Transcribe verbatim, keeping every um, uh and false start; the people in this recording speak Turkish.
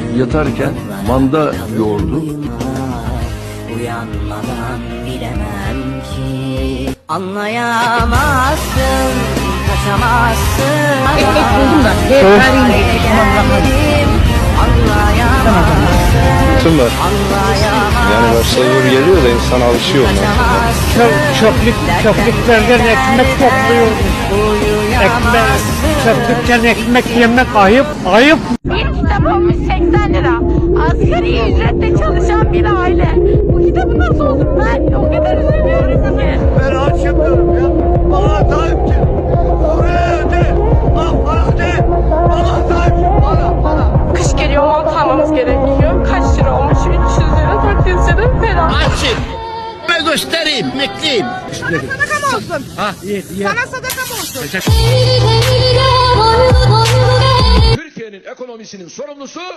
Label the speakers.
Speaker 1: yatarken manda yoğurdu.
Speaker 2: Uyanmadan bilemem ki anlayamazsın, kaçamazsın.
Speaker 3: Ekmek buldum da. Vereyim de.
Speaker 4: Bunlar. Yani başları geliyor da insan alışıyor ondan.
Speaker 5: Çöp, çöplük, çöplüklerden ekmek topluyoruz. Ekmek, çöplükten ekmek yemek ayıp, ayıp.
Speaker 6: Bir kitap olmuş seksen lira. Asgari ücretle çalışan bir aile. Bu kitabı nasıl olur? Ben o kadar üzülüyorum ki.
Speaker 7: Ben açamıyorum ya. Bana sahip çık. Oraya öde. Bak bana öde. Bana sahip çık. Bana bana.
Speaker 6: Kış geliyor, mont almamız gerekiyor. Kaç lira olmuş? üç yüz lira, dört yüz lira falan.
Speaker 7: Açık. Ben göstereyim. Emekliyim.
Speaker 3: Sadaka mı olsun?
Speaker 7: Ha iyi iyi.
Speaker 3: Sana sadaka mı olsun?
Speaker 8: Türkiye'nin ekonomisinin sorumlusu